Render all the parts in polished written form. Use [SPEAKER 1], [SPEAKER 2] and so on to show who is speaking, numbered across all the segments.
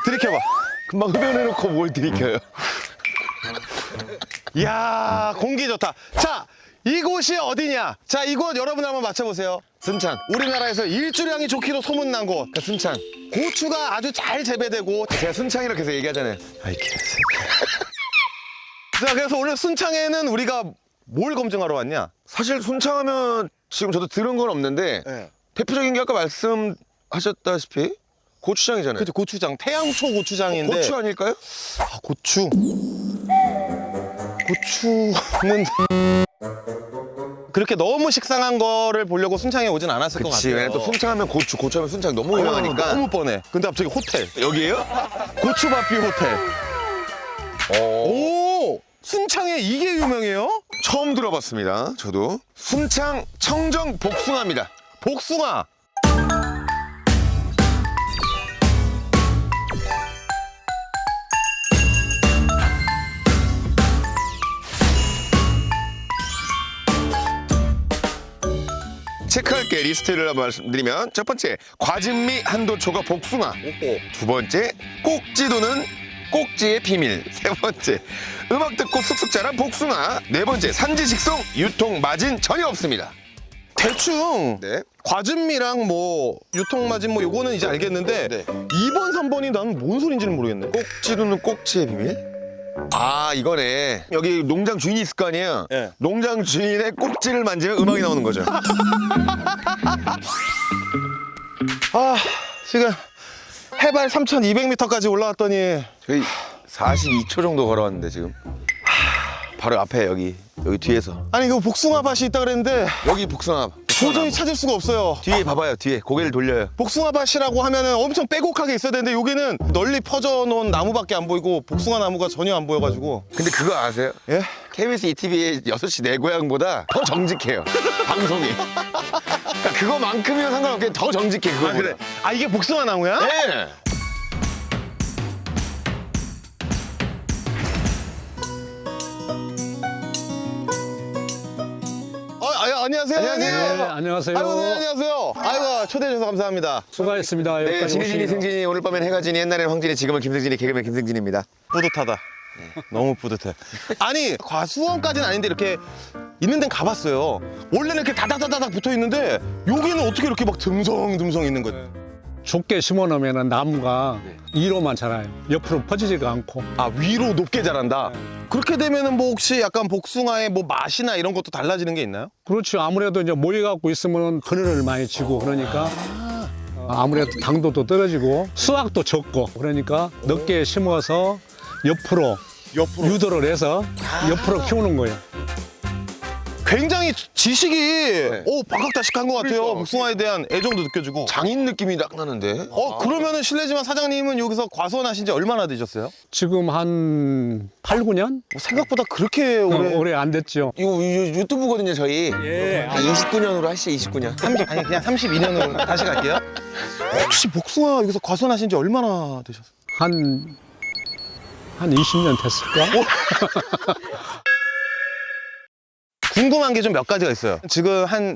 [SPEAKER 1] 들이켜봐.
[SPEAKER 2] 금방 흡연해놓고 뭘 들이켜요.
[SPEAKER 1] 이야, 공기 좋다. 자, 이곳이 어디냐? 자, 이곳 여러분 한번 맞춰보세요.
[SPEAKER 2] 순창.
[SPEAKER 1] 우리나라에서 일주량이 좋기로 소문난 곳.
[SPEAKER 2] 그러니까 순창.
[SPEAKER 1] 고추가 아주 잘 재배되고.
[SPEAKER 2] 제가 순창이라고 계속 얘기하잖아요.
[SPEAKER 1] 아이, 개새끼. 자, 그래서 오늘 순창에는 우리가 뭘 검증하러 왔냐?
[SPEAKER 2] 사실 순창하면 지금 저도 들은 건 없는데
[SPEAKER 1] 네.
[SPEAKER 2] 대표적인 게 아까 말씀하셨다시피 고추장이잖아요.
[SPEAKER 1] 그죠, 고추장. 태양초 고추장인데.
[SPEAKER 2] 고추 아닐까요?
[SPEAKER 1] 아, 고추. 고추는 그렇게 너무 식상한 거를 보려고 순창에 오진 않았을 것
[SPEAKER 2] 그치.
[SPEAKER 1] 같아요.
[SPEAKER 2] 왜냐면 또 순창하면 고추, 고추하면 순창 너무 유명하니까.
[SPEAKER 1] 너무 뻔해. 근데 갑자기 호텔.
[SPEAKER 2] 여기에요?
[SPEAKER 1] 고추밥뷰 호텔. 오! 순창에 이게 유명해요?
[SPEAKER 2] 처음 들어봤습니다. 저도. 순창 청정 복숭아입니다.
[SPEAKER 1] 복숭아.
[SPEAKER 2] 체크할 게 리스트를 한번 말씀드리면 첫 번째 과즙미 한도초가 복숭아. 두 번째 꼭지도는 꼭지의 비밀. 세 번째 음악 듣고 쑥쑥 자란 복숭아. 네 번째 산지식송 유통 마진 전혀 없습니다.
[SPEAKER 1] 대충
[SPEAKER 2] 네.
[SPEAKER 1] 과즙미랑 뭐 유통마진 뭐 요거는 이제 알겠는데
[SPEAKER 2] 네.
[SPEAKER 1] 2번, 3번이 나는 뭔 소린지는 모르겠네.
[SPEAKER 2] 꼭지도는 꼭지의 비밀? 아 이거네. 여기 농장 주인이 있을 거 아니에요?
[SPEAKER 1] 네.
[SPEAKER 2] 농장 주인의 꼭지를 만지면 음악이 나오는 거죠.
[SPEAKER 1] 아, 지금 해발 3,200m까지 올라왔더니
[SPEAKER 2] 저희 42초 정도 걸어왔는데 지금 바로 앞에 여기 뒤에서
[SPEAKER 1] 아니 그 복숭아 밭이 있다 그랬는데
[SPEAKER 2] 여기 복숭아
[SPEAKER 1] 도저히 찾을 수가 없어요.
[SPEAKER 2] 뒤에 봐봐요. 뒤에 고개를 돌려요.
[SPEAKER 1] 복숭아 밭이라고 하면은 엄청 빼곡하게 있어야 되는데 여기는 널리 퍼져 놓은 나무밖에 안 보이고 복숭아 나무가 전혀 안 보여가지고.
[SPEAKER 2] 근데 그거 아세요?
[SPEAKER 1] 예?
[SPEAKER 2] KBS ETV의 6시 내 고향보다 더 정직해요. 방송이. 그러니까 그거만큼이면 상관없게 더 정직해. 그거
[SPEAKER 1] 아 그래. 아 이게 복숭아 나무야?
[SPEAKER 2] 네.
[SPEAKER 1] 안녕하세요.
[SPEAKER 2] 안녕하세요.
[SPEAKER 1] 형님.
[SPEAKER 3] 네, 안녕하세요.
[SPEAKER 1] 아이고, 네, 안녕하세요. 아이고 초대해 주셔서 감사합니다.
[SPEAKER 3] 수고하셨습니다.
[SPEAKER 2] 네,
[SPEAKER 3] 여기까지
[SPEAKER 2] 진이진이
[SPEAKER 3] 오시느라.
[SPEAKER 2] 승진이 오늘 밤엔 해가진이 옛날엔 황진이 지금은 김승진이 개그맨 김승진입니다.
[SPEAKER 1] 뿌듯하다. 너무 뿌듯해. 아니 과수원까지는 아닌데 이렇게 있는 데는 가봤어요. 원래는 이렇게 다닥다닥 붙어 있는데 여기는 어떻게 이렇게 막 듬성듬성 있는 거지?
[SPEAKER 3] 좁게 심어놓으면 나무가 위로만 자라요. 옆으로 퍼지지가 않고.
[SPEAKER 1] 아 위로 높게 자란다. 그렇게 되면은 뭐 혹시 약간 복숭아의 뭐 맛이나 이런 것도 달라지는 게 있나요?
[SPEAKER 3] 그렇죠. 아무래도 이제 모여갖고 있으면 그늘을 많이 지고 그러니까 아무래도 당도도 떨어지고 수확도 적고 그러니까 넓게 심어서 옆으로 유도를 해서 옆으로 키우는 거예요.
[SPEAKER 1] 굉장히 지식이 박학다식한 것 같아요.
[SPEAKER 2] 그러니까.
[SPEAKER 1] 복숭아에 대한 애정도 느껴지고.
[SPEAKER 2] 장인 느낌이 딱 나는데.
[SPEAKER 1] 그러면은 실례지만 사장님은 여기서 과수원하신 지 얼마나 되셨어요?
[SPEAKER 3] 지금 한 8, 9년?
[SPEAKER 1] 뭐 생각보다 그렇게 오래.
[SPEAKER 3] 오래 안 됐죠.
[SPEAKER 2] 이거 유튜브거든요 저희.
[SPEAKER 3] 예.
[SPEAKER 2] 한 29년으로 하시죠 29년.
[SPEAKER 1] 아니 그냥 32년으로 다시 갈게요. 혹시 복숭아 여기서 과수원하신 지 얼마나 되셨어요?
[SPEAKER 3] 한 20년 됐을까?
[SPEAKER 1] 궁금한 게 좀 몇 가지가 있어요. 지금 한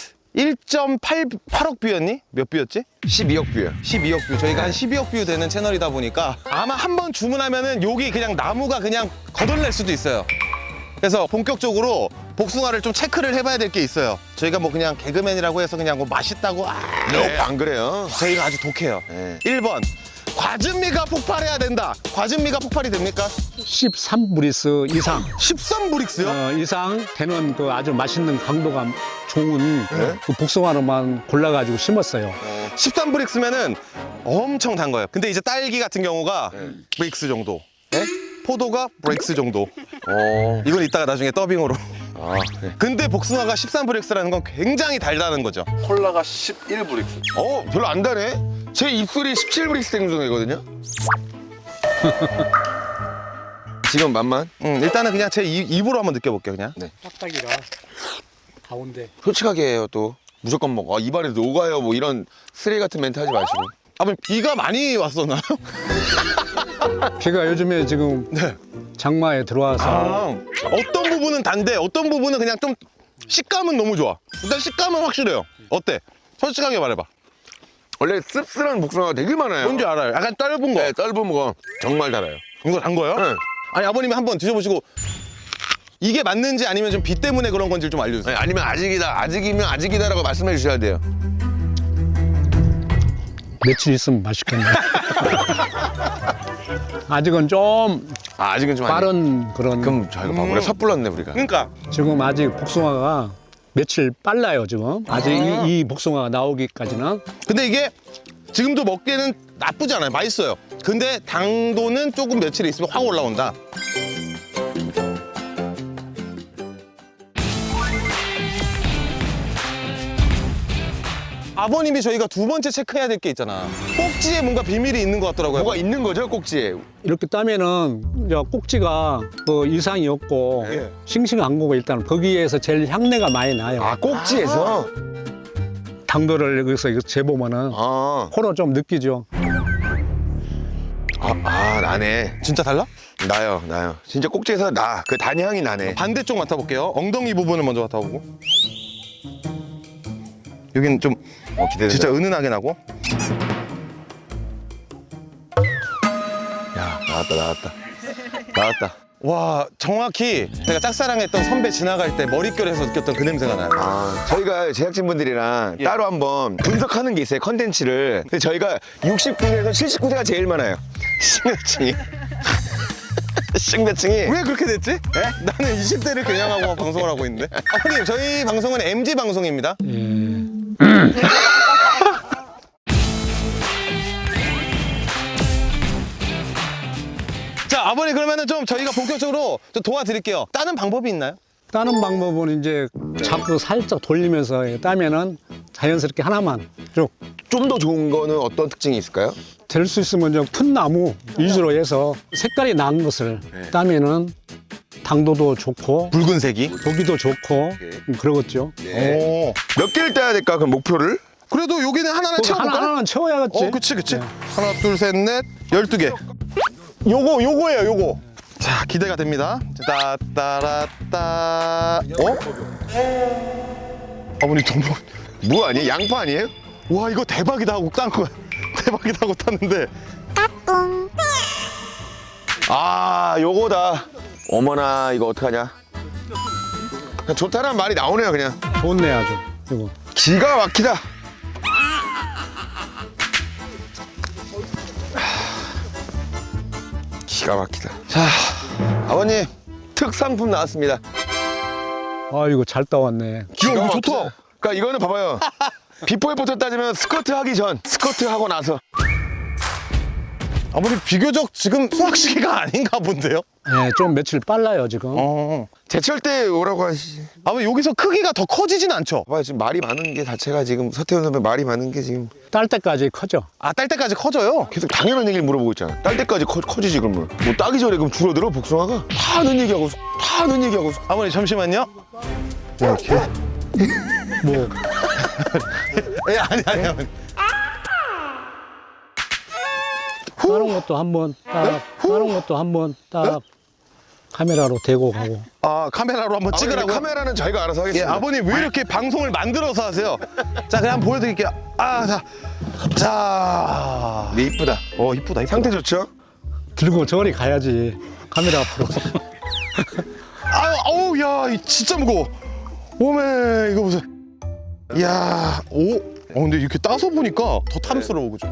[SPEAKER 1] 1.8억 뷰였니? 몇 뷰였지?
[SPEAKER 2] 12억 뷰요.
[SPEAKER 1] 12억 뷰. 저희가 한 12억 뷰 되는 채널이다 보니까 아마 한 번 주문하면은 여기 그냥 나무가 그냥 거덜날 수도 있어요. 그래서 본격적으로 복숭아를 좀 체크를 해봐야 될 게 있어요. 저희가 뭐 그냥 개그맨이라고 해서 그냥 뭐 맛있다고
[SPEAKER 2] 네, 안 그래요.
[SPEAKER 1] 저희가 아주 독해요.
[SPEAKER 2] 네.
[SPEAKER 1] 1번 과즙미가 폭발해야 된다. 과즙미가 폭발이 됩니까?
[SPEAKER 3] 13브리스 이상
[SPEAKER 1] 13브릭스요?
[SPEAKER 3] 이상 되는 그 아주 맛있는 강도가 좋은 그 복숭아로만 골라가지고 심었어요.
[SPEAKER 1] 13브릭스면은 엄청 단 거예요. 근데 이제 딸기 같은 경우가 브릭스 정도.
[SPEAKER 2] 네?
[SPEAKER 1] 포도가 브릭스 정도. 이건 이따가 나중에 더빙으로.
[SPEAKER 2] 아, 네.
[SPEAKER 1] 근데 복숭아가 13브릭스라는 건 굉장히 달다는 거죠.
[SPEAKER 4] 콜라가 11브릭스.
[SPEAKER 2] 별로 안 다네. 제 입술이 17브릭스 생중이거든요. 지금 맛만.
[SPEAKER 1] 일단은 그냥 제 입으로 한번 느껴볼게요, 그냥.
[SPEAKER 3] 딱딱이라 가운데.
[SPEAKER 2] 솔직하게 해요 또. 무조건 먹어. 입안에 녹아요. 뭐 이런 쓰레기 같은 멘트 하지 마시고.
[SPEAKER 1] 아버님 비가 많이 왔었나요?
[SPEAKER 3] 비가 요즘에 지금 장마에 들어와서
[SPEAKER 1] 어떤 부분은 단데 어떤 부분은 그냥 좀 식감은 너무 좋아. 일단 식감은 확실해요. 어때? 솔직하게 말해봐.
[SPEAKER 2] 원래 씁쓸한 복숭아가 되게 많아요.
[SPEAKER 1] 뭔지 알아요. 약간 떫은 거.
[SPEAKER 2] 네, 떫은 거 정말 달아요.
[SPEAKER 1] 이거 단 거예요?
[SPEAKER 2] 네.
[SPEAKER 1] 아니 아버님이 한번 드셔보시고 이게 맞는지 아니면 좀 비 때문에 그런 건지 좀 알려주세요.
[SPEAKER 2] 네, 아니면 아직이면 아직이다라고 말씀해 주셔야 돼요.
[SPEAKER 3] 며칠 있으면 맛있겠네. 아직은 좀
[SPEAKER 2] 아직은 좀
[SPEAKER 3] 빠른 그런.
[SPEAKER 2] 그럼 저희가 봐보래 섣불렀네 우리가.
[SPEAKER 1] 그러니까
[SPEAKER 3] 지금 아직 복숭아가 며칠 빨라요 지금. 아직 이 복숭아가 나오기까지는.
[SPEAKER 1] 근데 이게 지금도 먹기에는 나쁘지 않아요. 맛있어요. 근데 당도는 조금 며칠 있으면 확 올라온다. 아버님이 저희가 두 번째 체크해야 될 게 있잖아. 꼭지에 뭔가 비밀이 있는 것 같더라고요.
[SPEAKER 2] 뭐가 있는 거죠 꼭지에?
[SPEAKER 3] 이렇게 따면은 이제 꼭지가 그 이상이 없고
[SPEAKER 1] 예.
[SPEAKER 3] 싱싱한 거고 일단 거기에서 제일 향내가 많이 나요.
[SPEAKER 2] 아 꼭지에서?
[SPEAKER 3] 당도를 여기서 이거 재보면은
[SPEAKER 2] 아,
[SPEAKER 3] 코로 좀 느끼죠.
[SPEAKER 2] 나네.
[SPEAKER 1] 진짜 달라?
[SPEAKER 2] 나요. 진짜 꼭지에서 나. 그 단향이 나네.
[SPEAKER 1] 반대쪽 맡아볼게요. 엉덩이 부분을 먼저 맡아보고. 여긴 좀
[SPEAKER 2] 기대된다.
[SPEAKER 1] 진짜 은은하게 나고.
[SPEAKER 2] 야, 나왔다.
[SPEAKER 1] 와, 정확히 제가 짝사랑했던 선배 지나갈 때 머릿결에서 느꼈던 그 냄새가 나요.
[SPEAKER 2] 저희가 제작진분들이랑 따로 한번 분석하는 게 있어요, 컨텐츠를. 근데 저희가 69세에서 79세가 제일 많아요. 식몇층이. 식몇층이.
[SPEAKER 1] 왜 그렇게 됐지? 나는 20대를 겨냥하고 방송을 하고 있는데. 아버님, 저희 방송은 MG 방송입니다. 자, 아버님 그러면은 좀 저희가 본격적으로 좀 도와드릴게요. 따는 방법이 있나요?
[SPEAKER 3] 따는 방법은 이제 자꾸 살짝 돌리면서 따면은 자연스럽게 하나만 쭉
[SPEAKER 2] 좀 더 좋은 거는 어떤 특징이 있을까요?
[SPEAKER 3] 될 수 있으면 이제 큰 나무 위주로 해서 색깔이 난 것을 따면은 당도도 좋고
[SPEAKER 1] 붉은색이.
[SPEAKER 3] 보기도 좋고 그러겠죠.
[SPEAKER 1] 오.
[SPEAKER 2] 몇 개를 따야 될까, 그럼 목표를?
[SPEAKER 1] 그래도 여기는 하나는
[SPEAKER 3] 거기
[SPEAKER 1] 채워볼까요?
[SPEAKER 3] 하나는 채워야겠지.
[SPEAKER 1] 그치. 하나, 둘, 셋, 넷, 12개. 요거예요, 요거. 자, 기대가 됩니다. 따따라따. 아버님, 너무.
[SPEAKER 2] 뭐 아니에요? 양파 아니에요?
[SPEAKER 1] 와, 이거 대박이다 하고 딴 거야. 대박이다 하고 땄는데.
[SPEAKER 2] 요거다. 어머나, 이거 어떡하냐. 그냥 좋다는 말이 나오네요, 그냥.
[SPEAKER 3] 좋네 아주. 이거.
[SPEAKER 2] 기가 막히다. 기가 막히다. 자, 아버님, 특상품 나왔습니다.
[SPEAKER 3] 아 이거 잘 따왔네.
[SPEAKER 1] 이거 좋다.
[SPEAKER 2] 그러니까 이거는 봐봐요. 비포 애프터 따지면 스쿼트 하기 전, 스쿼트 하고 나서.
[SPEAKER 1] 아버님, 비교적 지금 수학 시기가 아닌가 본데요?
[SPEAKER 3] 네, 좀 며칠 빨라요 지금.
[SPEAKER 2] 제철 때 오라고 하시.
[SPEAKER 1] 아버님, 여기서 크기가 더 커지진 않죠?
[SPEAKER 2] 봐봐요, 지금 말이 많은 게 자체가 지금 서태훈 선배 말이 많은 게 지금
[SPEAKER 3] 딸 때까지 커져.
[SPEAKER 1] 딸 때까지 커져요?
[SPEAKER 2] 계속 당연한 얘기를 물어보고 있잖아. 딸 때까지 커지지 그러면. 뭐 따기 전에 그럼 줄어들어 복숭아가? 다 하는 얘기하고
[SPEAKER 1] 아버님, 잠시만요. 이렇게?
[SPEAKER 3] 뭐
[SPEAKER 1] 아니, 아버님.
[SPEAKER 3] 다른 것도 한번 딱 카메라로 대고 가고.
[SPEAKER 1] 카메라로 한번 찍으라고.
[SPEAKER 2] 카메라는 저희가 알아서
[SPEAKER 1] 예,
[SPEAKER 2] 하겠습니다.
[SPEAKER 1] 아버님 왜 이렇게 방송을 만들어서 하세요? 자, 그냥 한번 보여드릴게요. 자.
[SPEAKER 2] 네, 이쁘다.
[SPEAKER 1] 이쁘다.
[SPEAKER 2] 상태 좋죠?
[SPEAKER 3] 들고 저리 가야지. 카메라 앞으로.
[SPEAKER 1] 어우, 야, 이 진짜 무거워. 오메, 이거 보세요. 이야, 근데 이렇게 따서 보니까 더 탐스러워, 그죠?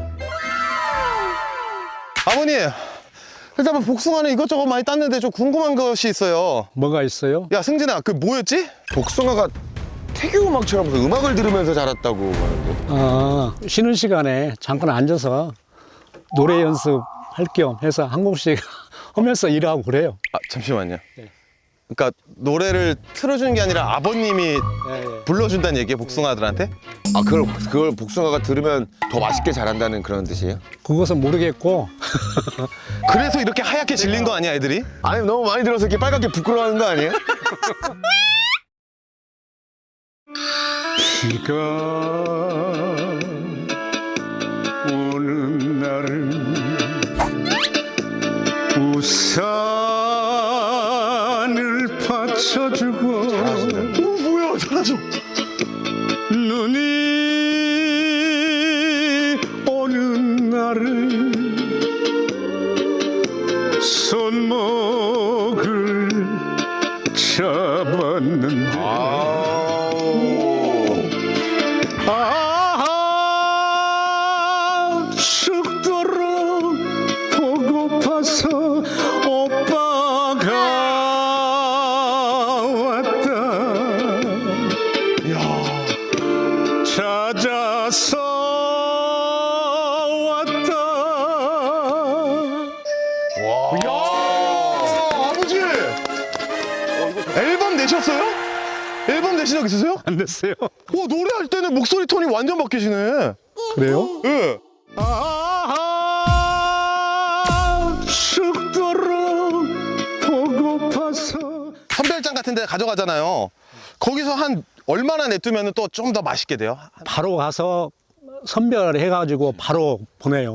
[SPEAKER 1] 아버님, 일단 복숭아는 이것저것 많이 땄는데 좀 궁금한 것이 있어요.
[SPEAKER 3] 뭐가 있어요?
[SPEAKER 1] 야, 승진아, 그 뭐였지?
[SPEAKER 2] 복숭아가 태교 음악처럼 무슨 음악을 들으면서 자랐다고 하는데.
[SPEAKER 3] 쉬는 시간에 잠깐 앉아서 노래 연습할 겸 해서 한 곡씩 하면서 일하고 그래요.
[SPEAKER 1] 잠시만요. 그러니까 노래를 틀어주는 게 아니라 아버님이 불러준다는 얘기예요, 복숭아들한테?
[SPEAKER 2] 그걸 복숭아가 들으면 더 맛있게 자란다는 그런 뜻이에요?
[SPEAKER 3] 그것은 모르겠고
[SPEAKER 1] 그래서 이렇게 하얗게 질린 거 아니야, 애들이?
[SPEAKER 2] 아니, 너무 많이 들어서 이렇게 빨갛게 부끄러워하는 거 아니에요?
[SPEAKER 3] 비가 오는 날은 우산을 받쳐주고
[SPEAKER 1] 뭐야, 잘하죠?
[SPEAKER 3] 눈이 들었는데 죽도록 보고파서 오빠가 왔다 찾아서 왔다.
[SPEAKER 1] 아버지! 앨범 내셨어요? 앨범 내신 적 있으세요?
[SPEAKER 3] 안 됐어요.
[SPEAKER 1] 노래할 때는 목소리 톤이 완전 바뀌시네.
[SPEAKER 3] 그래요?
[SPEAKER 1] 예.
[SPEAKER 3] 죽도록 보고파서.
[SPEAKER 1] 선별장 같은 데 가져가잖아요. 거기서 한 얼마나 내두면 또 좀 더 맛있게 돼요?
[SPEAKER 3] 바로 가서 선별해가지고 바로 보내요.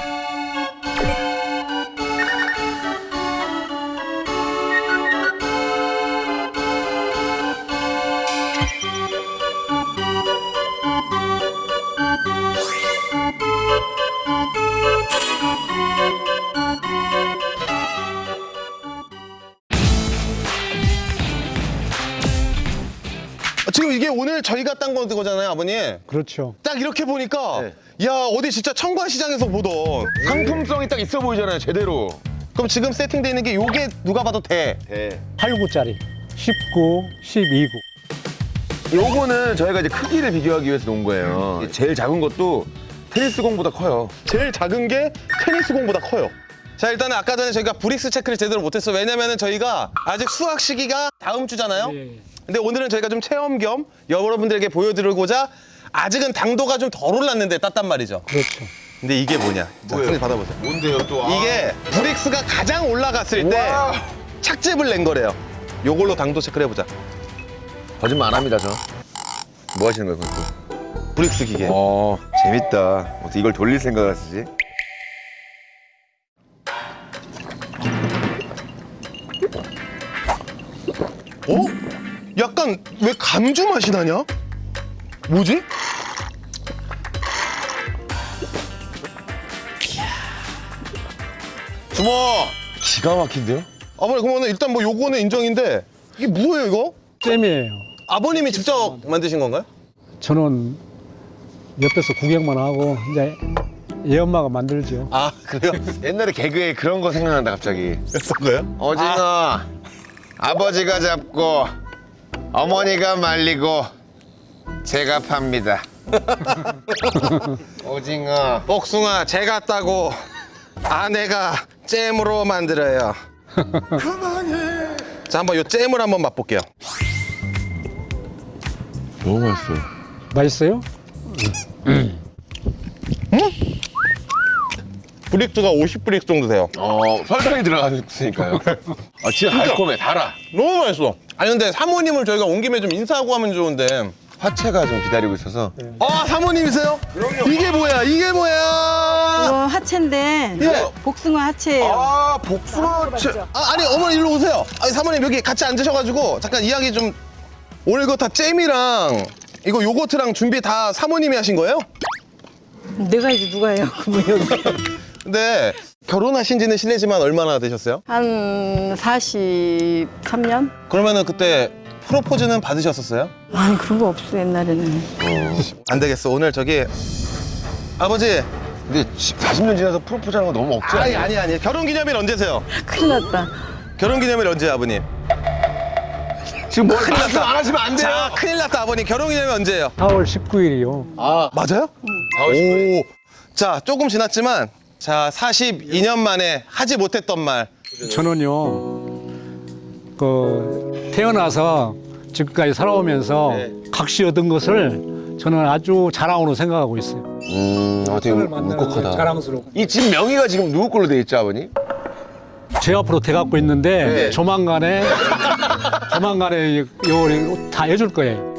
[SPEAKER 1] 지금 이게 오늘 저희가 딴 거잖아요, 아버님.
[SPEAKER 3] 그렇죠.
[SPEAKER 1] 딱 이렇게 보니까
[SPEAKER 2] 네.
[SPEAKER 1] 야, 어디 진짜 청과시장에서 보던.
[SPEAKER 2] 상품성이 딱 있어 보이잖아요, 제대로.
[SPEAKER 1] 그럼 지금 세팅되어 있는 게 요게 누가 봐도 돼.
[SPEAKER 3] 8구짜리 19, 12구.
[SPEAKER 2] 요거는 저희가 이제 크기를 비교하기 위해서 놓은 거예요. 제일 작은 것도 테니스 공보다 커요.
[SPEAKER 1] 제일 작은 게 테니스 공보다 커요. 자, 일단은 아까 전에 저희가 브릭스 체크를 제대로 못했어요. 왜냐면은 저희가 아직 수확 시기가 다음 주잖아요. 근데 오늘은 저희가 좀 체험 겸 여러분들에게 보여드리고자 아직은 당도가 좀 덜 올랐는데 땄단 말이죠.
[SPEAKER 3] 그렇죠.
[SPEAKER 1] 근데 이게 뭐냐? 자, 선생님 받아보세요.
[SPEAKER 2] 뭔데요, 또?
[SPEAKER 1] 이게 브릭스가 가장 올라갔을 때
[SPEAKER 2] 우와.
[SPEAKER 1] 착즙을 낸 거래요. 요걸로 당도 체크를 해보자.
[SPEAKER 2] 거짓말 안 합니다, 저. 뭐 하시는 거예요, 그것도?
[SPEAKER 1] 브릭스 기계.
[SPEAKER 2] 재밌다. 어떻게 이걸 돌릴 생각을 하시지?
[SPEAKER 1] 약간 왜 감주 맛이 나냐? 뭐지?
[SPEAKER 2] 주모! 기가 막힌데요?
[SPEAKER 1] 아버님, 그러면 일단 뭐 요거는 인정인데 이게 뭐예요, 이거?
[SPEAKER 3] 잼이에요.
[SPEAKER 1] 아버님이 직접 만드신 건가요?
[SPEAKER 3] 저는 옆에서 구경만 하고 이제 얘 엄마가 만들죠.
[SPEAKER 1] 아, 그래요?
[SPEAKER 2] 옛날에 개그에 그런 거 생각난다, 갑자기.
[SPEAKER 1] 했던 거예요?
[SPEAKER 2] 오징어, 아버지가 잡고, 어머니가 말리고, 제가 팝니다. 오징어.
[SPEAKER 1] 복숭아 제가 따고 아내가 잼으로 만들어요. 자, 한번 요 잼을 한번 맛볼게요.
[SPEAKER 2] 너무 맛있어.
[SPEAKER 3] 맛있어요?
[SPEAKER 1] 브릭스가 50브릭스 정도 돼요.
[SPEAKER 2] 설탕이 들어갔으니까요. 아, 진짜 달콤해, 달아.
[SPEAKER 1] 너무 맛있어. 아니 근데 사모님을 저희가 온 김에 좀 인사하고 하면 좋은데.
[SPEAKER 2] 화채가 좀 기다리고 있어서.
[SPEAKER 1] 아, 사모님이세요? 이게 뭐야? 이게 뭐야?
[SPEAKER 5] 이거 하체인데
[SPEAKER 1] 예.
[SPEAKER 5] 복숭아 하체예요.
[SPEAKER 2] 아, 복숭아 채.
[SPEAKER 1] 아니 어머니 일로 오세요. 아니 사모님 여기 같이 앉으셔가지고 잠깐 이야기 좀. 오늘 이거 다 잼이랑 이거 요거트랑 준비 다 사모님이 하신 거예요?
[SPEAKER 5] 내가 해지 누가 해요? 그러면 여기
[SPEAKER 1] 근데 결혼하신 지는 실례지만 얼마나 되셨어요?
[SPEAKER 5] 한 43년?
[SPEAKER 1] 그러면은 그때 프로포즈는 받으셨었어요?
[SPEAKER 5] 아니 그런 거 없어 옛날에는.
[SPEAKER 1] 안 되겠어. 오늘 저기 아버지.
[SPEAKER 2] 근데 40년 지나서 프로포즈하는 거 너무 억지 아니에요?
[SPEAKER 1] 아니. 결혼기념일 언제세요?
[SPEAKER 5] 큰일 났다.
[SPEAKER 1] 결혼기념일 언제요, 아버님?
[SPEAKER 2] 지금 뭐 말씀 안 하시면 안 돼요.
[SPEAKER 1] 자, 큰일 났다, 아버님. 결혼기념일 언제예요?
[SPEAKER 3] 4월 19일이요.
[SPEAKER 1] 아, 맞아요?
[SPEAKER 2] 4월 19일.
[SPEAKER 1] 오. 자, 조금 지났지만 자, 42년 만에 하지 못했던 말.
[SPEAKER 3] 저는요, 태어나서 지금까지 살아오면서
[SPEAKER 1] 네.
[SPEAKER 3] 각시 얻은 것을 저는 아주 자랑으로 생각하고 있어요.
[SPEAKER 2] 되게 울컥하다.
[SPEAKER 3] 자랑스럽고.
[SPEAKER 2] 이 집 명의가 지금 누구 걸로 돼 있죠, 아버님?
[SPEAKER 3] 제 앞으로 돼갖고 있는데
[SPEAKER 2] 네.
[SPEAKER 3] 조만간에 요걸 다 해줄 거예요.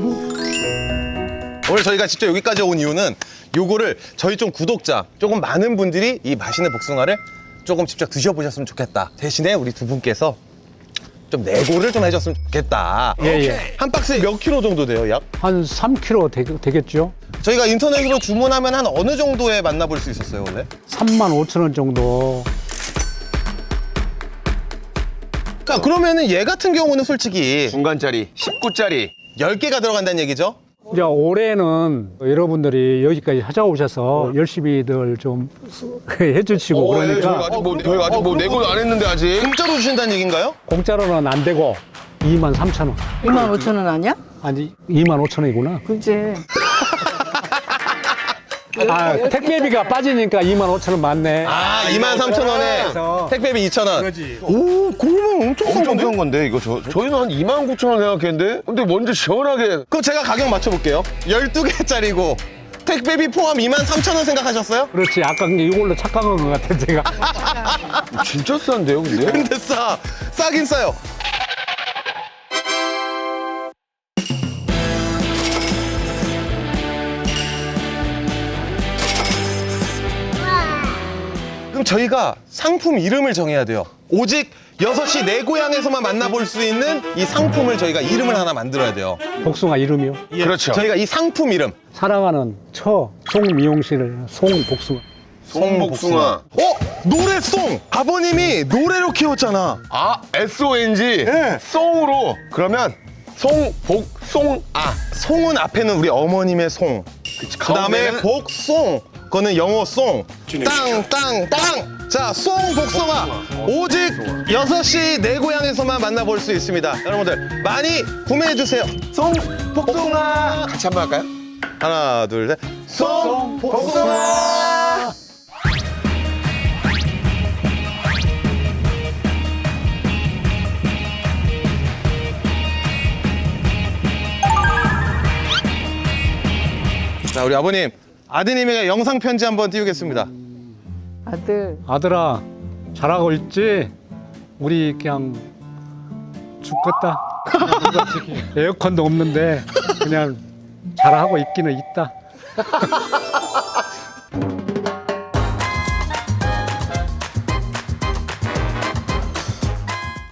[SPEAKER 1] 오늘 저희가 직접 여기까지 온 이유는 요거를 저희 좀 구독자, 조금 많은 분들이 이 맛있는 복숭아를 조금 직접 드셔보셨으면 좋겠다. 대신에 우리 두 분께서 좀 내고를 좀 해줬으면 좋겠다.
[SPEAKER 3] 예.
[SPEAKER 1] 한 박스에 몇 킬로 정도 돼요, 약?
[SPEAKER 3] 한 3kg 되겠죠?
[SPEAKER 1] 저희가 인터넷으로 주문하면 한 어느 정도에 만나볼 수 있었어요, 원래?
[SPEAKER 3] 35,000원 정도.
[SPEAKER 1] 자, 그러면은 얘 같은 경우는 솔직히
[SPEAKER 2] 중간짜리 19짜리
[SPEAKER 1] 10개가 들어간다는 얘기죠?
[SPEAKER 3] 이제 올해는 여러분들이 여기까지 찾아오셔서 열심히들 좀 해주시고 그러니까
[SPEAKER 2] 저희가 아직 뭐 내고도 안 했는데 아직.
[SPEAKER 1] 공짜로 주신다는 얘기인가요?
[SPEAKER 3] 공짜로는 안 되고 23,000원.
[SPEAKER 5] 25,000원 아니야?
[SPEAKER 3] 아니 25,000원이구나.
[SPEAKER 5] 그지.
[SPEAKER 3] 아 택배비가 빠지니까 25,000원 맞네.
[SPEAKER 1] 아, 23,000원에 택배비 2,000원.
[SPEAKER 2] 오, 그러면 엄청 싼 건데 이거 저희는 한 29,000원 생각했는데 근데 먼저 시원하게
[SPEAKER 1] 그럼 제가 가격 맞춰볼게요. 12개짜리고 택배비 포함 23,000원 생각하셨어요?
[SPEAKER 3] 그렇지. 아까 이걸로 착각한 것 같아 제가.
[SPEAKER 2] 진짜 싼데요 근데?
[SPEAKER 1] 근데 싸긴 싸요. 그럼 저희가 상품 이름을 정해야 돼요. 오직 6시 내 고향에서만 만나볼 수 있는 이 상품을 저희가 이름을 하나 만들어야 돼요.
[SPEAKER 3] 복숭아 이름이요.
[SPEAKER 2] 그렇죠.
[SPEAKER 1] 저희가 이 상품 이름.
[SPEAKER 3] 사랑하는 송미용실 송복숭아.
[SPEAKER 2] 송복숭아.
[SPEAKER 1] 노래송! 아버님이 노래로 키웠잖아.
[SPEAKER 2] 아, SONG.
[SPEAKER 1] 네.
[SPEAKER 2] 송으로. 그러면 송복송아.
[SPEAKER 1] 송은 앞에는 우리 어머님의 송. 그 다음에
[SPEAKER 2] 가운데는-
[SPEAKER 1] 복송. 그거는 영어 송. 땅! 자, 송 복숭아. 오직 6시 내 고향에서만 만나볼 수 있습니다. 여러분들 많이 구매해주세요. 송 복숭아.
[SPEAKER 2] 같이 한번 할까요?
[SPEAKER 1] 하나, 둘, 셋. 송 복숭아. 자, 우리 아버님. 아드님에게 영상 편지 한번 띄우겠습니다.
[SPEAKER 5] 아들.
[SPEAKER 3] 아들아 잘하고 있지? 우리 그냥 죽겠다. 에어컨도 없는데 그냥 잘하고 있기는 있다.